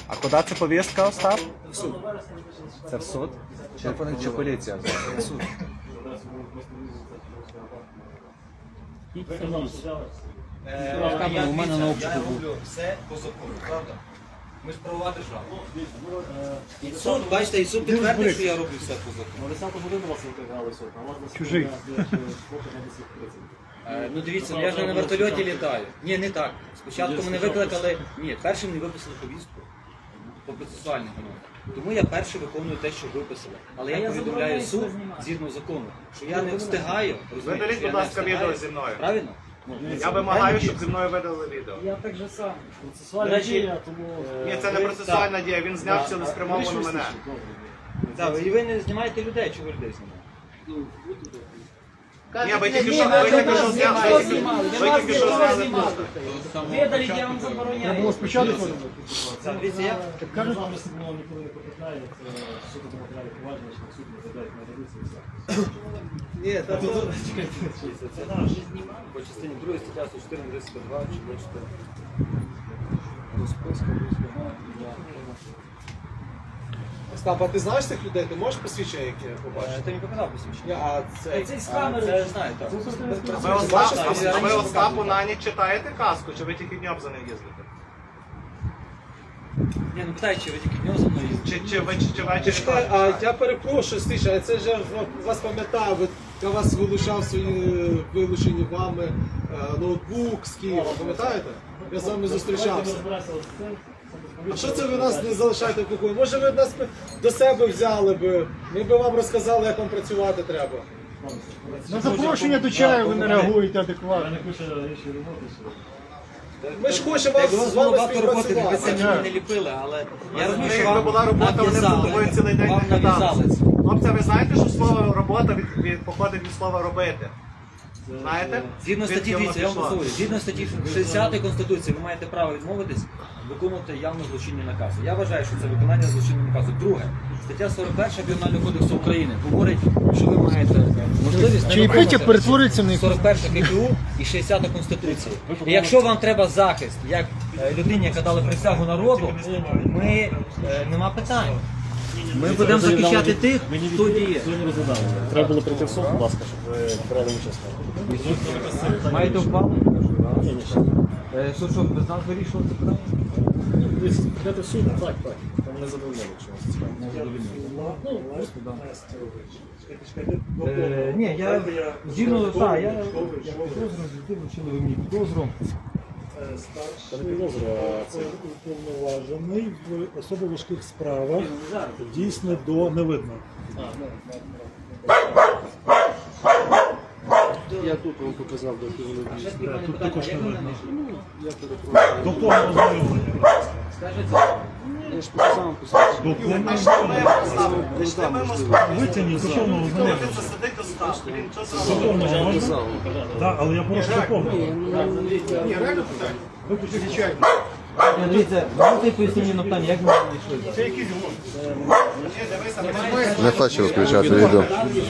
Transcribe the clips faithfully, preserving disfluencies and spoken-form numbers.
А куди це повістка, Остап? В суд. Це в суд? Чи, чи поліція? В суд. У мене на обшуку був. роблю все по закону, правда? Ми ж правова держава. І суд, бачите, і суд підтвердив, що я роблю все по закону. На десяту годину вас викликали суд, а у вас на Чужий. Е, Ну дивіться, я ж не на вертольоті літаю. Ні, не так. Спочатку мене викликали, ні, першим мені виписали повістку по процесуальному. Тому я перший виконую те, що виписали. Але я повідомляю суд згідно закону, що я не встигаю. розумієте, Видаліть, що я будь не ласка, встигаю. відео зі мною. Правильно? Ну, Я вимагаю, щоб зі мною видали відео. Я так же сам. До Процесуальна речі, дія, тому... Ні, це не процесуальна дія, він зняв цілеспрямовано мене. Так, і ви не знімаєте людей, чи ви людей знімаєте? Ні, ви тільки що ви тільки що зняли. Ви тільки що зняли. Видаліть, я вам забороняю. було спочатку. Так, дивіться, я... Кажуть, що сигнал ніколи не потрапляє, це суд до матеріалів провадження, що суд не задають на редакцію і все. Ні, та то... Чекайте, це це по частині другої стаття сто чотири, тридцять два, чи двадцять чотири. Остап, а ти знаєш цих людей? Ти можеш посвідчення, яке я побачив? Ти мені показав посвідчення? А це... Цей з А, камери. Це знаю, так. А ви Остап- а ви Остапу на ніч читаєте казку, чи ви тільки днем за ним їздите? Ні, ну питаю, чи ви тільки днем за мною їздите? Чи, чи ви чи, чи ввечері? Чекай, а я перепрошую, Стиша, а це ж я вас пам'ятаю, ви- я вас вилучав свої вилучені вами е, ноутбук з Києва, пам'ятаєте? Я з вами зустрічався. А що це ви нас не залишаєте в покої? Може ви нас до себе взяли би, ми би вам розказали, як вам працювати треба. На запрошення до чаю ви не реагуєте адекватно. Я не хочу інші роботи. Ми ж хочемо Якби у вас вас з було вами багато роботи, ви це співпрацювати. мені не ліпили, але я розумію, що Якби вам була робота, вони б нав'язали. тобою цілий день Вам не нав'язали каталися. це. Хлопці, ви знаєте, що слово робота від, від, походить від слова робити? Знаєте? Згідно статті, Звідки воно дивіться, я вам пішло? послухаю. Згідно статті шістдесятої Конституції, ви маєте право відмовитись виконувати явно злочинні накази. Я вважаю, що це виконання злочинного наказу. Друге, стаття сорок перша Кримінального кодексу України говорить, що ви маєте можливість не виконувати перетворюється на сорок перша КПУ і шістдесята Конституції. І якщо вам треба захист, як е, людині, яка дала присягу народу, ми е, нема питань. Ми будемо захищати тих, хто діє. Треба було прийти в суд, будь ласка, щоб ви брали участь. Маєте ухвалу? Е, Суд, що без нас вирішував це питання? Прийдете в суд, так, так. Там не задовольняли, якщо вас цікавить. Е, Ні, я згідно, так, я підозрюю, вручили ви мені підозру. Це не підозра, а це уповноважений в особо важких справах, дійсно до невидно. Я тут вам показав, де ти вони дійсно. Тут також не видно. До повного ознайомлення. Я ж показав посвідчення. До повного Знайшли ми Москву. витягніть до повного ознайомлення. Це сидить Остап. Блін, що це До за повного можна? Так, але я прошу до повного. Ні, реально питання. Ні, Дивіться, можете пояснити на питання, як ми знайшли? Не хочу включати відео.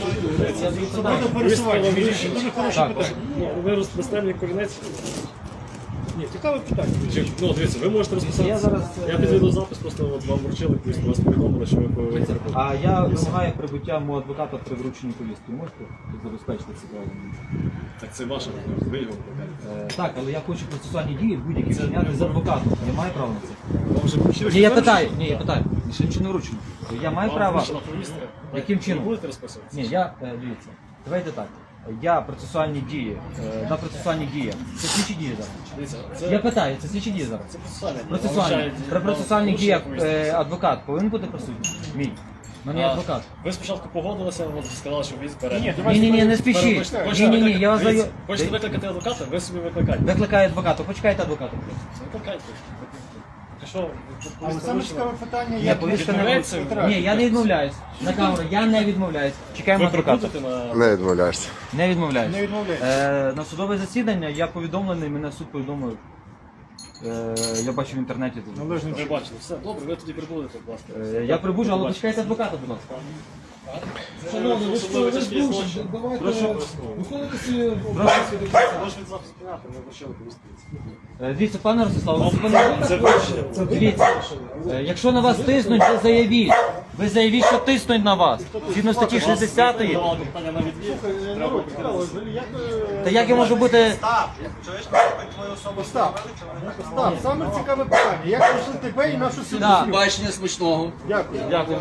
Ви розписали мені корінець. Ні, цікаве питання. Ну, дивіться, ви можете розписати. Я зараз, Я під відеозапис, просто от вам вручили, просто вас повідомили, що ви повинні. А я вимагаю прибуття мого адвоката при врученні повістки. Можете забезпечити це право? Так це ваше, ви його. Е, Так, але я хочу процесуальні дії будь-які вчиняти з адвокатом. Я маю право на це? Вам вже вручили? Ні, я питаю, ні, я питаю. Ще нічого не вручено. Я маю Вам право. вручена повістка? Яким Ви чином? будете розписуватися? Ні, я, е, дивіться, давайте так. Я процесуальні дії, е, на процесуальні дії. Це слідчі дії зараз. Дивіться, Я це питаю, це слідчі дії зараз. це процесуальне. Процесуальні. При процесуальних діях е, адвокат повинен бути присутній? Мій. У мене є адвокат. Ви спочатку погодилися, от сказали, що він збере. Ні, ні, ні, не спішіть. Ні, ні, ні, я вас даю. Хочете викликати адвоката, ви собі викликайте. Викликає адвоката, почекайте адвоката. Викликайте. Так що, Але саме цікаве питання, Ні, як повістка не відмовляється? Ні, я не відмовляюсь. На камеру, я не відмовляюсь. Чекаємо ви адвоката. прикрутите на... Не відмовляєшся. Не відмовляюсь. не відмовляється. Е, на судове засідання я повідомлений, мене суд повідомив Е, Я бачу в інтернеті. Належним Ви бачили, все, добре, ви тоді прибудете, будь ласка. Е, Я прибужу, але почекайте адвоката, будь ласка. Шановні, ви ж ви ж дуже, давайте виконуйте свої обов'язки до кінця. Ваш від запису понятно, ми почали повістки. Е, Дивіться, пане Ростислав, ви зупинили. Це вирішення. Дивіться, е, якщо на вас тиснуть, ви заявіть. Ви заявіть, що тиснуть на вас. Згідно статті шістдесятої. Давали питання на відвід. Народ, цікаво, взагалі, як ви- Та як я можу бути... Став, чуєш, ми твою особу Остап, встановили, чи вони так Остап, саме цікаве питання. Як пройшли тебе і нашу сім'ю? Да. Бачення смачного. Дякую. Дякую,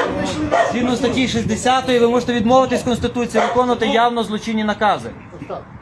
згідно статті шістдесятої ви можете відмовитись з Конституції, виконувати явно злочинні накази. Остап,